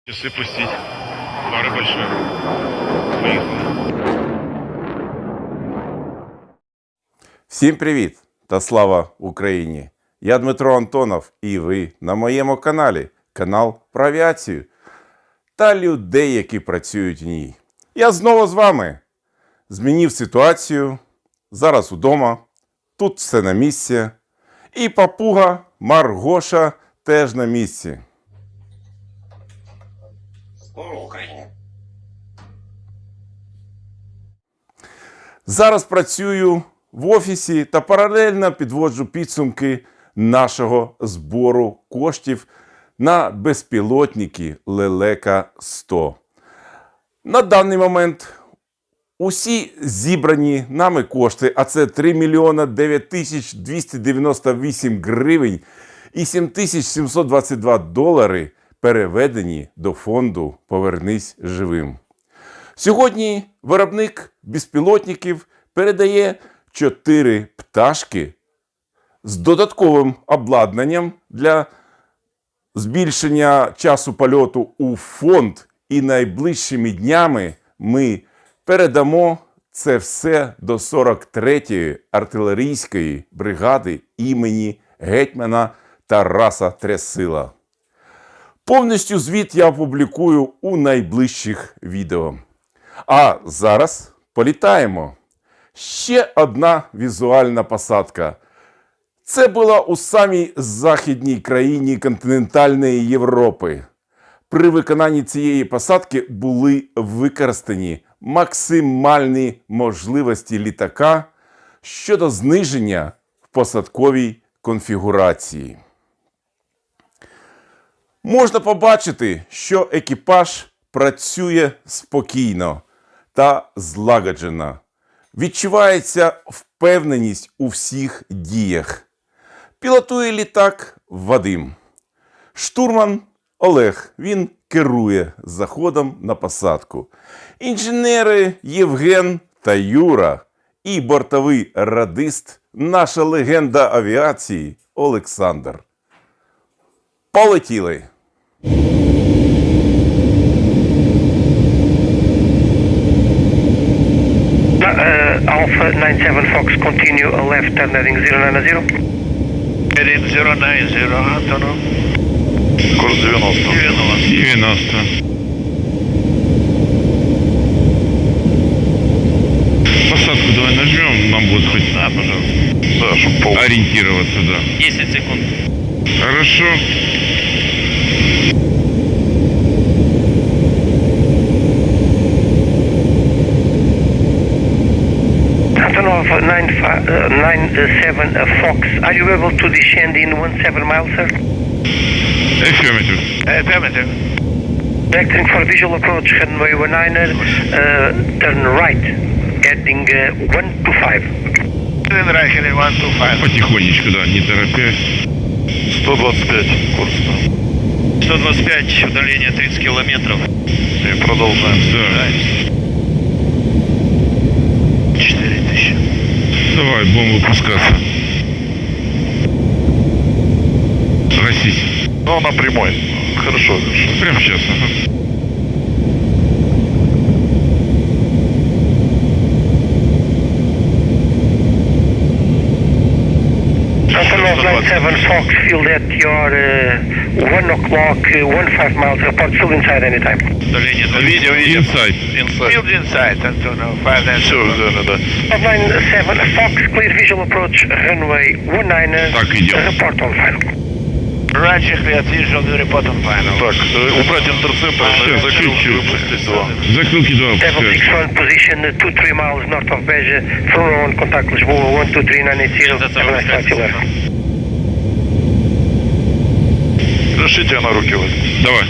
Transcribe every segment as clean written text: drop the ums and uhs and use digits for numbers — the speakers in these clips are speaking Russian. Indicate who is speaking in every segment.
Speaker 1: Часы пустить. Пара большая. Поехали.
Speaker 2: Всім привіт та слава Україні! Я Дмитро Антонов і ви на моєму каналі. Канал про авіацію та людей, які працюють в ній. Я знову з вами. Змінив ситуацію. Зараз удома. Тут все на місці. І папуга Маргоша теж на місці.
Speaker 3: Слава Україні!
Speaker 2: Зараз працюю в офісі та паралельно підводжу підсумки нашого збору коштів на безпілотники Лелека-100. На даний момент усі зібрані нами кошти, а це 3 мільйона 9 тисяч 298 гривень і 7722 долари, переведені до фонду «Повернись живим». Сьогодні виробник безпілотників передає 4 пташки з додатковим обладнанням для збільшення часу польоту у фонд. І найближчими днями ми передамо це все до 43-ї артилерійської бригади імені гетьмана Тараса Трясила. Повністю звіт я опублікую у найближчих відео. А зараз політаємо. Ще одна візуальна посадка. Це була у самій західній країні континентальної Європи. При виконанні цієї посадки були використані максимальні можливості літака щодо зниження в посадковій конфігурації. Можна побачити, що екіпаж працює спокійно та злагоджено. Відчувається впевненість у всіх діях. Пілотує літак Вадим. Штурман Олег, він керує заходом на посадку. Інженери Євген та Юра і бортовий радист, наша легенда авіації Олександр. Полетіли!
Speaker 4: Alpha 97 Fox, continue left turn heading 090.
Speaker 1: Heading 090, Антонов.
Speaker 3: Курс 90.
Speaker 1: 90. Посадку давай нажмем, нам будет хоть
Speaker 3: Да, пожалуйста. Да, чтобы пол.
Speaker 1: ориентироваться, да.
Speaker 4: 10 секунд.
Speaker 1: Хорошо.
Speaker 4: Antonov 97 Fox, are you able to descend in 17 miles, sir?
Speaker 1: Affirmative.
Speaker 3: Affirmative.
Speaker 4: Vectoring for visual approach, runway 19er, turn right, heading 125.
Speaker 3: Райхель 125.
Speaker 1: Потихонечку, да, не торопясь.
Speaker 3: 125 курс.
Speaker 5: 125, удаление 30 километров.
Speaker 3: И продолжаем.
Speaker 1: Да.
Speaker 3: 4000.
Speaker 1: Давай, будем выпускаться. Гасись.
Speaker 3: Ну, на прямой. Хорошо, хорошо.
Speaker 1: Прямо сейчас, ага.
Speaker 4: Antonov 97 Fox, feel that you're 1 o'clock, 15 miles, report still inside anytime.
Speaker 5: Удаление 30.
Speaker 3: Видео, видео.
Speaker 1: Инсайд.
Speaker 3: Инсайд.
Speaker 5: Field inside, Antonov, 5
Speaker 3: Все, да.
Speaker 4: 97 Fox, clear visual approach, runway 19er,
Speaker 1: Так, идем.
Speaker 4: report on final.
Speaker 5: Раньше clear visual report on final.
Speaker 3: Так, убрать интерцептор, закрыл, выпустить 2.
Speaker 1: Закрылки 2
Speaker 4: Level
Speaker 1: опускаешь.
Speaker 4: 61 position, 2-3 miles north of Beja, through on contactless, 123-980, have a nice flight, you left.
Speaker 3: Решите на руки вот.
Speaker 1: Давай.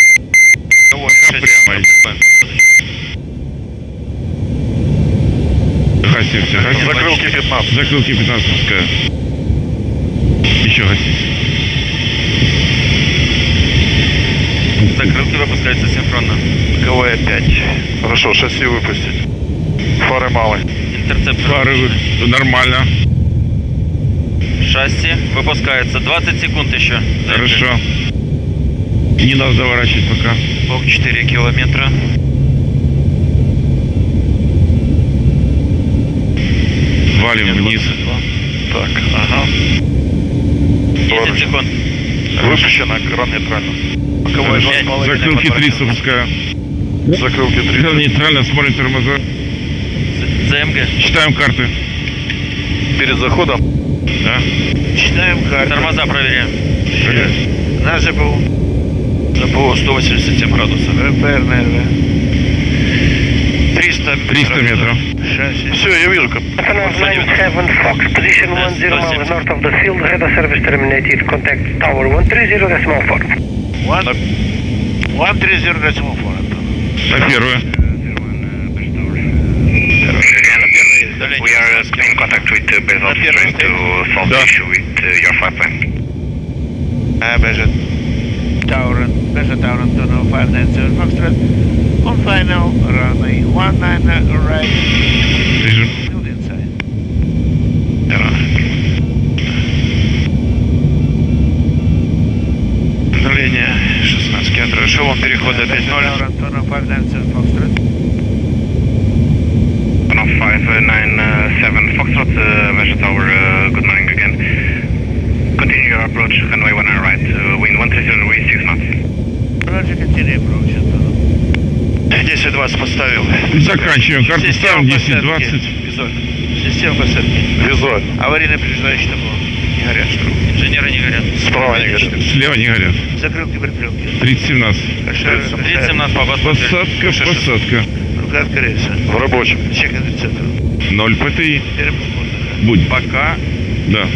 Speaker 1: Прямо идем. Гасимся, гасимся.
Speaker 3: Закрылки 15.
Speaker 1: Закрылки 15 пускаю. Еще гасись.
Speaker 5: Закрылки выпускаются синхронно.
Speaker 3: КВ 5. Хорошо, шасси выпустить. Фары малые.
Speaker 5: Интерцептор.
Speaker 1: Пары нормально.
Speaker 5: Шасси выпускается. 20 секунд еще.
Speaker 1: Хорошо. Не надо заворачивать пока.
Speaker 5: Бок 4 километра.
Speaker 1: Валим вниз.
Speaker 3: Так, ага.
Speaker 5: 10 секунд.
Speaker 3: Выпущено, кран нейтрально.
Speaker 5: Боковой
Speaker 1: Закрылки 3 запускаю.
Speaker 3: Закрылки 3.
Speaker 1: Кран нейтрально, смотрим тормоза.
Speaker 5: ЗМГ.
Speaker 1: Читаем карты.
Speaker 3: Перед заходом.
Speaker 1: Да.
Speaker 5: Читаем карты. Тормоза проверяем. На ЖПУ. ЖПУ 187 градусов. РПР, 300
Speaker 1: метров.
Speaker 3: Все, я вижу, как.
Speaker 4: Antonov 97 Fox, position 10 miles north of the field, radar service terminated, contact tower 130.4.
Speaker 5: 130.4.
Speaker 1: На первую.
Speaker 5: We are in contact with Bezos trying to solve the issue with your flight plan. Bežet Tower Antonov 597 Foxtrot. On final, runway 19 right.
Speaker 1: Режим.
Speaker 5: Build inside. Давление 16 км. Шелом перехода 5.0. Antonov 597 Foxtrot.
Speaker 6: Antonov 597 Foxtrot, Measure Tower, good morning again. Continue your approach, runway 19 right, wind 130 degrees, 6 knots.
Speaker 5: Roger, continue approach, Antonov. 10-20 поставил.
Speaker 1: Заканчиваем. Карту ставим 10-20.
Speaker 5: Система посадки.
Speaker 3: Визуально.
Speaker 5: Аварийный предупреждающий табло. Не горят штрубы. Инженеры не горят.
Speaker 3: Справа не горят.
Speaker 1: Слева не горят.
Speaker 5: Закрылки прикрылки.
Speaker 1: 30-17.
Speaker 5: 30-17 по
Speaker 1: Посадка, посадка.
Speaker 5: Рука открыется.
Speaker 3: В рабочем.
Speaker 5: Чек индицатор.
Speaker 1: 0 ПТИ.
Speaker 5: Перепуск воздуха.
Speaker 1: Будь.
Speaker 5: Пока.
Speaker 1: Да.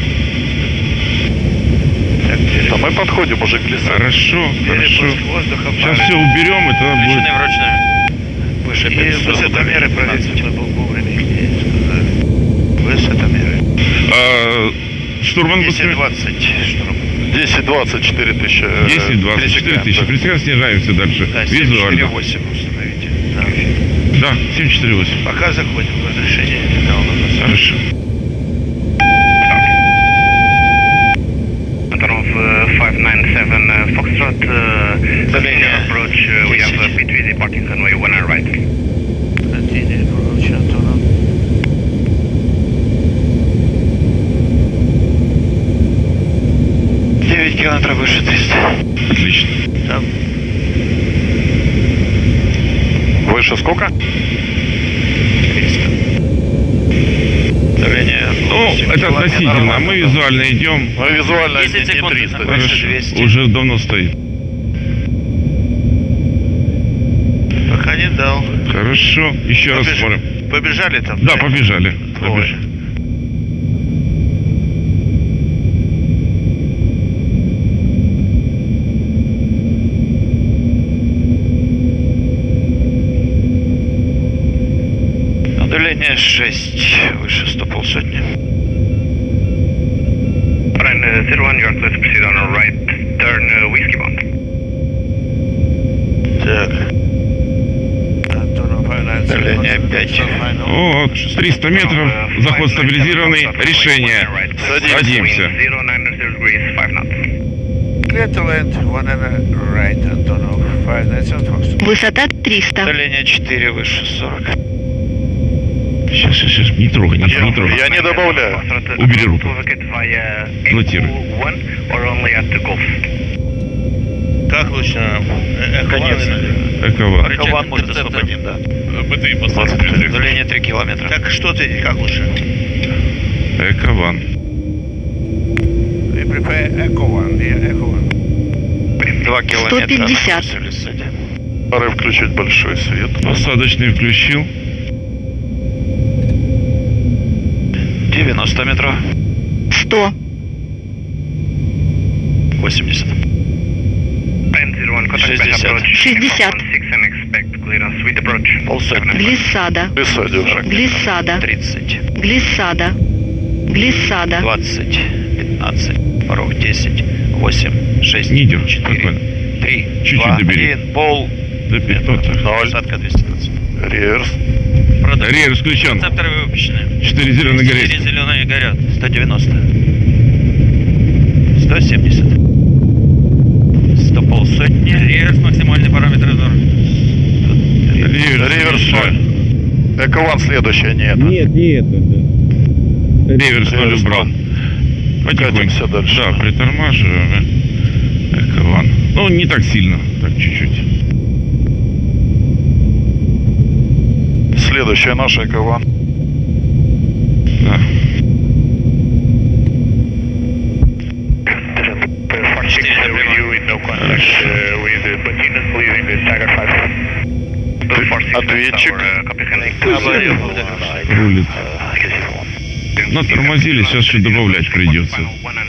Speaker 5: Так,
Speaker 3: А мы подходим уже к лесу.
Speaker 1: Хорошо, хорошо.
Speaker 5: перепуск воздуха.
Speaker 1: Сейчас все уберем, и тогда будет...
Speaker 5: Включены вручную. Выше 500. Высотомеры проверьте. Мы был вовремя их сказали. Высотомеры.
Speaker 1: А, штурман быстрее.
Speaker 5: 10-20 штурм.
Speaker 3: 10-20, 4 тысячи.
Speaker 1: 10-20, 4 тысячи. Пресекаем, снижаемся дальше.
Speaker 5: Да,
Speaker 1: Визуально.
Speaker 5: 7-4-8 установите. Да.
Speaker 1: Да, 7-4-8.
Speaker 5: Пока заходим в разрешение. Да, у нас.
Speaker 1: Хорошо.
Speaker 6: Antonov 597 Foxtrot, continue approach, we have a between departing runway 19 right.
Speaker 5: Continue approach, Antonov. Километров выше 300.
Speaker 1: Отлично.
Speaker 5: Там
Speaker 3: Выше сколько?
Speaker 5: 300. Давление.
Speaker 1: Ну, это относительно. Мы визуально идем.
Speaker 3: Мы визуально
Speaker 5: 10
Speaker 3: не
Speaker 5: секунд.
Speaker 3: 300.
Speaker 5: Выше
Speaker 1: Хорошо.
Speaker 5: 200.
Speaker 1: Уже давно стоит.
Speaker 5: Пока не дал.
Speaker 1: Хорошо. Еще раз
Speaker 5: Побежали.
Speaker 1: смотрим.
Speaker 5: Побежали там?
Speaker 1: Да, побежали.
Speaker 5: Ой.
Speaker 1: Побежали.
Speaker 5: Давление 6. Выше 100 полсотни.
Speaker 6: Ryan 01, you are clear to proceed on a right turn, whiskey bound.
Speaker 5: Так. Давление 5.
Speaker 1: О, 300 метров. Заход стабилизированный. Решение. Садимся.
Speaker 6: 09 degrees, 5 knots.
Speaker 5: Clear to land, 1 right, Antonov, 597 Fox.
Speaker 7: Высота 300.
Speaker 5: Давление 4, выше 40.
Speaker 1: Сейчас. Не трогай, не трогай.
Speaker 3: Я не добавляю.
Speaker 1: Убери руку. Блокируй.
Speaker 5: Как лучше? Конечно.
Speaker 1: Экован.
Speaker 5: Рычаг интерцептор.
Speaker 3: Да. БТИ посадки.
Speaker 5: Давление 3 километра. Так что ты, как лучше?
Speaker 1: Экован.
Speaker 5: We prepare Echo One, Echo One. 2 километра.
Speaker 7: 150.
Speaker 3: Пора включить большой свет.
Speaker 1: Посадочный включил.
Speaker 5: 90 метров.
Speaker 7: 100.
Speaker 5: 80.
Speaker 7: 60.
Speaker 5: Полсотни.
Speaker 7: Глиссада.
Speaker 3: Высадил.
Speaker 7: Глиссада.
Speaker 5: 30.
Speaker 7: Глиссада. Глиссада.
Speaker 5: 20. 15. Порог 10. 8. 6.
Speaker 1: Не идем.
Speaker 5: 4.
Speaker 1: Спокойно.
Speaker 5: 3.
Speaker 1: Чуть-чуть
Speaker 5: 2,
Speaker 1: добери.
Speaker 5: 1. Пол.
Speaker 1: До 500.
Speaker 5: Посадка 220.
Speaker 3: Реверс.
Speaker 1: Реверс включен.
Speaker 5: Рецепторы выпущены.
Speaker 1: 4 зеленые
Speaker 5: 4
Speaker 1: горят.
Speaker 5: зеленые горят. 190. 170. 100 полсотни.
Speaker 1: полсотни.
Speaker 5: Реверс, максимальный параметр обзора.
Speaker 3: Реверс 0. Эко-1 следующая, не это.
Speaker 8: Нет, не это, да.
Speaker 1: Реверс 0 убрал. Потихоньку.
Speaker 3: Катимся дальше.
Speaker 1: Да, притормаживаем. Эко-1. Ну, не так сильно, так чуть-чуть.
Speaker 3: Следующая наша Эко-1.
Speaker 1: Да.
Speaker 3: Ответчик.
Speaker 1: Рулит. Но тормозили, сейчас еще добавлять придется.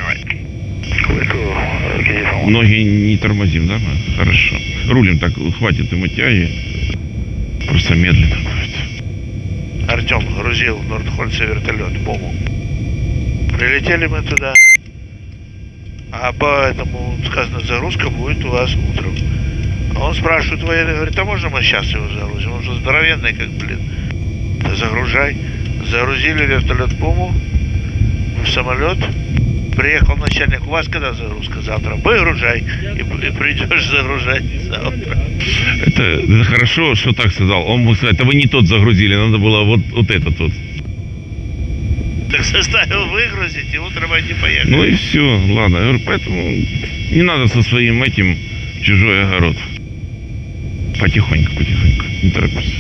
Speaker 1: Ноги не тормозим, да? Мы? Хорошо. Рулим так, хватит ему тяги. Просто медленно будет.
Speaker 9: Артем грузил в Нордхольце вертолет, БОМу. Прилетели мы туда. А поэтому сказано, загрузка будет у вас утром. А он спрашивает военный, говорит, а можно мы сейчас его загрузим? Он же здоровенный, как, блин. Да загружай. Загрузили вертолет БОМу в самолет. Приехал начальник, у вас когда загрузка? Завтра. Выгружай. И придешь загружать завтра.
Speaker 1: Это хорошо, что так сказал. Он мог сказать, это вы не тот загрузили, надо было вот этот вот.
Speaker 9: Так заставил выгрузить, и утром они поехали.
Speaker 1: Ну и все, ладно. Я говорю, поэтому не надо со своим этим в чужой огород. Потихоньку, не торопись.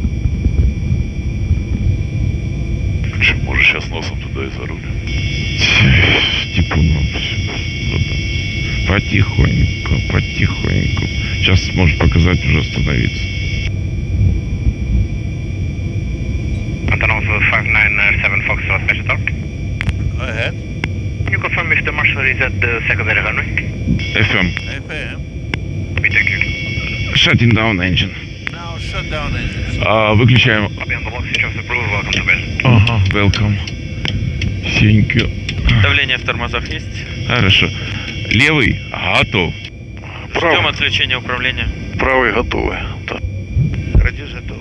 Speaker 3: Может, сейчас носом туда и за руль.
Speaker 1: Типуном. Потихоньку. Сейчас может показать уже остановиться.
Speaker 6: Antonov 597 Foxtrot, Special Talk.
Speaker 9: Go ahead.
Speaker 6: Can you confirm if the marshal is at the secondary runway?
Speaker 1: FM.
Speaker 9: FM.
Speaker 6: We thank you.
Speaker 1: Shutting down engine.
Speaker 9: Now shut down engines.
Speaker 1: Выключаем.
Speaker 6: Copy on the block, switch off the approval, welcome to base.
Speaker 1: Ага, welcome. Thank you.
Speaker 5: Давление в тормозах есть?
Speaker 1: Хорошо. Левый готов.
Speaker 5: Ждем отключения управления.
Speaker 3: Правый готовый. Да.
Speaker 9: Радиус готов.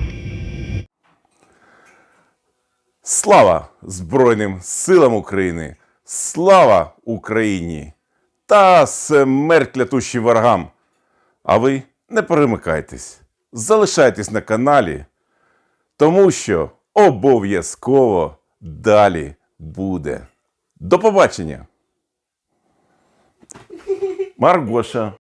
Speaker 2: Слава Збройним силам України! Слава Україні! Та смерть клятущим ворогам! А ви не перемикайтесь, залишайтесь на каналі, тому що обов'язково далі буде. До побачення! Маргоша.